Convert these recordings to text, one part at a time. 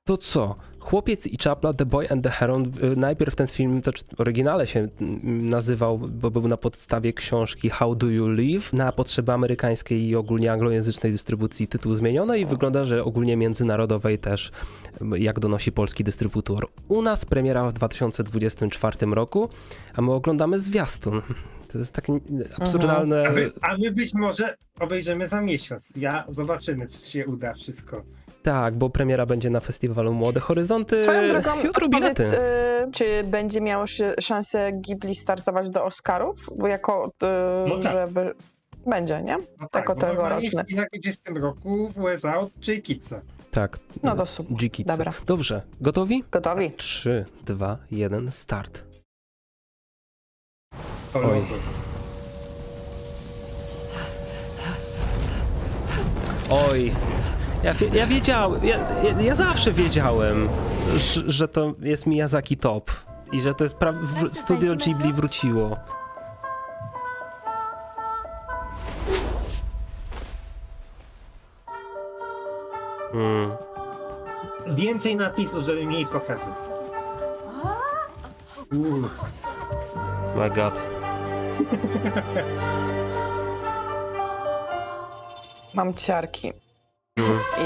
To co? Chłopiec i czapla, The Boy and the Heron. Najpierw ten film, to w oryginale się nazywał, bo był na podstawie książki How Do You Live. Na potrzeby amerykańskiej i ogólnie anglojęzycznej dystrybucji tytuł zmieniono i wygląda, że ogólnie międzynarodowej też, jak donosi polski dystrybutor. U nas premiera w 2024 roku, a my oglądamy zwiastun. To jest takie absurdalne... A my być może obejrzymy za miesiąc. Zobaczymy, czy się uda wszystko. Tak, bo premiera będzie na festiwalu Młode Horyzonty Swoją drogą, jutro bilety. czy będzie miało szansę Ghibli startować do Oscarów? Bo jako, No tak. żeby... Będzie, nie? No Jako bo normalnie tegoroczne. w Chinach będzie w tym roku w USA od J. Kidsa. Tak. No to super. G-Kids. Dobra. Dobrze, gotowi? Gotowi? 3, 2, 1, start. Oj. Oj, ja wiedziałem, ja zawsze wiedziałem, że to jest Miyazaki top i że to jest studio Ghibli wróciło. Więcej napisów, żeby mniej pokazać. My god. Mam ciarki. I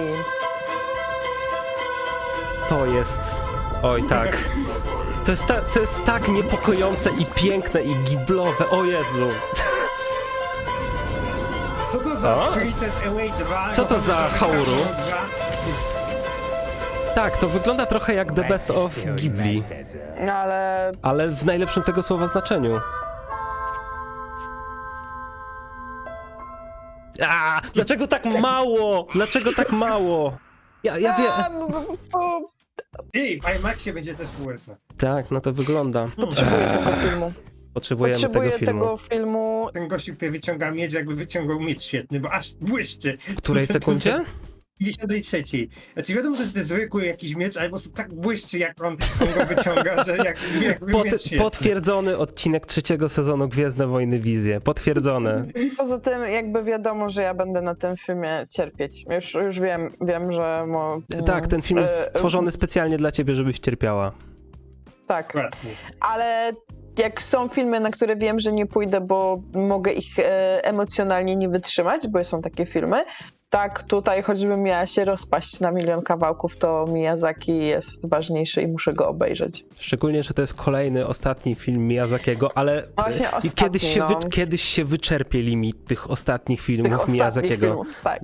To jest... Oj, tak. To jest tak niepokojące i piękne i giblowe, o Jezu. Co to za O? Spirited Away 2? Co to za Hauru? Dwa? Tak, to wygląda trochę jak The Best of Ghibli, ale ale w najlepszym tego słowa znaczeniu. Dlaczego tak mało? Dlaczego tak mało? Ja wiem. no, to Ej, w IMAXie będzie też w USA. Tak, no to wygląda. potrzebuję tego filmu. Potrzebujemy Potrzebuję tego filmu. tego filmu. Ten gościu, który wyciąga miedź, jakby wyciągał miedź świetny, bo aż błyszczy. W której sekundzie? 53. Znaczy wiadomo, że to jest zwykły jakiś miecz, ale po prostu tak błyszczy, jak on go wyciąga, że jakby miecz świetny. Potwierdzony odcinek 3. sezonu Gwiezdne Wojny Wizje. Potwierdzone. Poza tym jakby wiadomo, że ja będę na tym filmie cierpieć. Już wiem, że... Tak, ten film jest stworzony specjalnie dla ciebie, żebyś cierpiała. Tak, Dokładnie. ale jak są filmy, na które wiem, że nie pójdę, bo mogę ich emocjonalnie nie wytrzymać, bo są takie filmy, tak tutaj choćbym miała się rozpaść na milion kawałków, to Miyazaki jest ważniejszy i muszę go obejrzeć. Szczególnie, że to jest kolejny, ostatni film Miyazakiego, ale Właśnie ostatni, kiedyś się wyczerpie limit tych ostatnich filmów Tych ostatnich Miyazakiego. filmów, tak.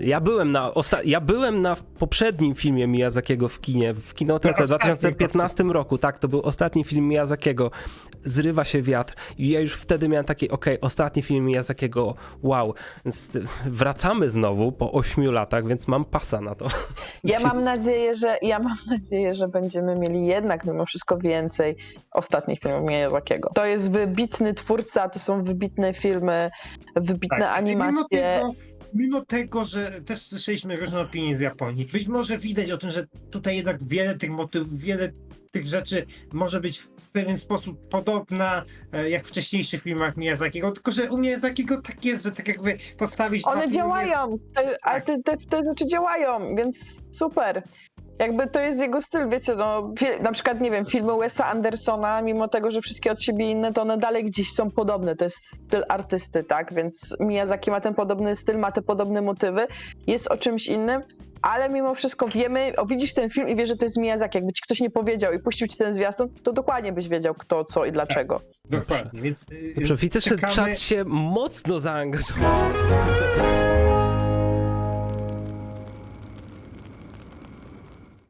Ja byłem na poprzednim filmie Miyazakiego w kinie, w kinotece w 2015 roku. Tak, to był ostatni film Miyazakiego. Zrywa się wiatr i ja już wtedy miałem takie, ostatni film Miyazakiego, wow. Więc wracamy znowu po 8 latach, więc mam pasa na to. Ja mam nadzieję, że będziemy mieli jednak mimo wszystko więcej ostatnich filmów Miyazakiego. To jest wybitny twórca, to są wybitne filmy, wybitne animacje. Mimo tego, że też słyszeliśmy różne opinie z Japonii, być może widać o tym, że tutaj jednak wiele tych motywów, wiele tych rzeczy może być w pewien sposób podobna jak w wcześniejszych filmach Miyazakiego, tylko że u Miyazakiego tak jest, że tak jakby postawić... One działają, ale te rzeczy działają, więc super. Jakby to jest jego styl, wiecie, no na przykład, nie wiem, filmy Wesa Andersona, mimo tego, że wszystkie od siebie inne, to one dalej gdzieś są podobne, to jest styl artysty, tak, więc Miyazaki ma ten podobny styl, ma te podobne motywy, jest o czymś innym, ale mimo wszystko wiemy, widzisz ten film i wiesz, że to jest Miyazaki, jakby ci ktoś nie powiedział i puścił ci ten zwiastun, to dokładnie byś wiedział kto, co i dlaczego. Dokładnie, więc Dobrze, widzę, że czekamy... czat się mocno zaangażował w dyskusję.